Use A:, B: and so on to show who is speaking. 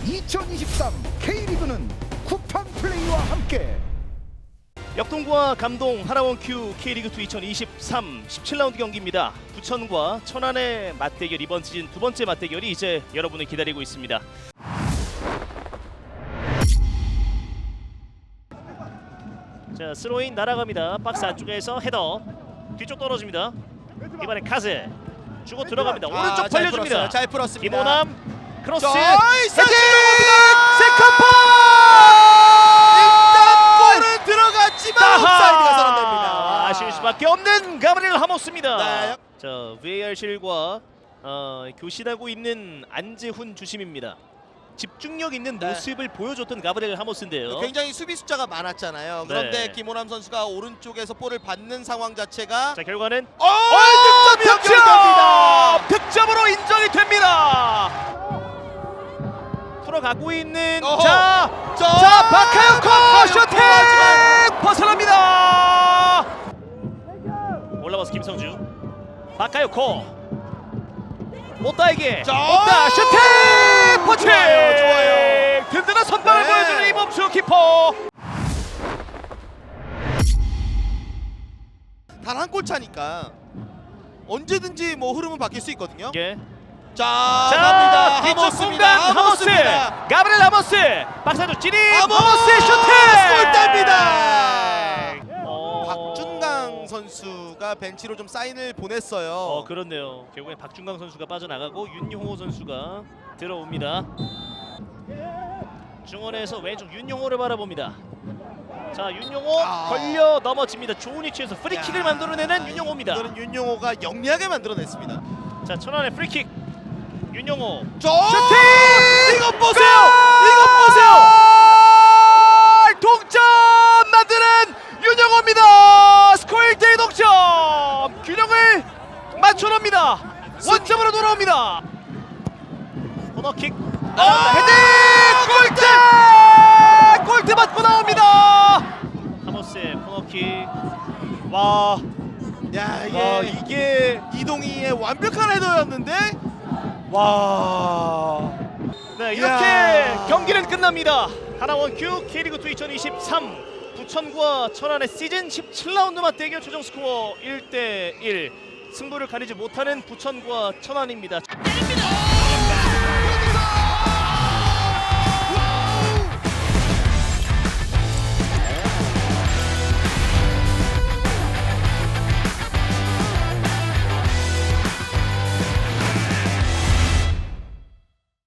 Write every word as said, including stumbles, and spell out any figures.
A: 이천이십삼 K리그는 쿠팡 플레이와 함께
B: 역동과 감동 하나원 큐 K리그이 이천이십삼 십칠 라운드 경기입니다. 부천과 천안의 맞대결, 이번 시즌 두 번째 맞대결이 이제 여러분을 기다리고 있습니다. 자, 스로인 날아갑니다. 박스 안쪽에서 헤더 뒤쪽 떨어집니다. 이번엔 카즈 주고 들어갑니다. 오른쪽
C: 아, 잘
B: 벌려줍니다.
C: 풀었어요. 잘 풀었습니다.
B: 김호남 크로스
C: 헤딩!
B: 세컨볼!
C: 일단 골은 들어갔지만 옵사이드가 선언됩니다.
B: 아쉬울 수밖에 없는 가브리엘 하모스입니다.
C: 네.
B: 자, 브이알실과 어, 교신하고 있는 안재훈 주심입니다. 집중력 있는
C: 네.
B: 모습을 보여줬던 가브리엘 하모스인데요.
C: 굉장히 수비 숫자가 많았잖아요. 그런데
B: 네.
C: 김호남 선수가 오른쪽에서 볼을 받는 상황 자체가
B: 자, 결과는
C: 어, 득점이 연결됩니다.
B: 득점으로 인정이 됩니다. 풀어가고 있는
C: 어허.
B: 자,
C: 자,
B: 자 박하영코 슈팅
C: 하지만
B: 벗어납니다. 올라와서 김성주, 박하영코 못다에게
C: 자,
B: 못다 슈팅 포칭.
C: 좋아요, 좋아요.
B: 든든한 선방을
C: 네.
B: 보여주는 이범수 키퍼.
C: 단 한 골 차니까 언제든지 뭐 흐름은 바뀔 수 있거든요.
B: 예.
C: 자,
B: 자,
C: 갑니다.
B: 뒤쪽
C: 하모스입니다.
B: 공간 하모스,
C: 하모스입니다.
B: 가브리엘 하모스, 박사조 진입,
C: 하모스!
B: 하모스의 슈팅,
C: 골대입니다.
B: 어...
C: 박준강 선수가 벤치로 좀 사인을 보냈어요.
B: 어, 그렇네요. 결국엔 박준강 선수가 빠져나가고 윤용호 선수가 들어옵니다. 중원에서 왼쪽 윤용호를 바라봅니다. 자, 윤용호
C: 아.
B: 걸려 넘어집니다. 좋은 위치에서 프리킥을
C: 야.
B: 만들어내는 윤용호입니다.
C: 이거는 윤용호가 영리하게 만들어냈습니다.
B: 자, 천안의 프리킥 윤용호
C: 저
B: 슈팅!
C: 이것 보세요. 이것 보세요.
B: 골! 동점 만드는 윤용호입니다. 스코어 일 대 일 동점. 균형을 맞춰놓습니다. 원점으로 돌아옵니다. 코너킥
C: 아!
B: 헤딩! 골대! 골대 맞고 나옵니다. 하모스의 코너킥. 와,
C: 야, 이게,
B: 와 이게
C: 이동희의 완벽한 헤더였는데
B: 와. 네, 이렇게
C: 이야.
B: 경기는 끝납니다. 하나원 큐 K리그 이천이십삼 부천과 천안의 시즌 십칠 라운드 맞대결 최종 스코어 일 대 일. 승부를 가리지 못하는 부천과 천안입니다.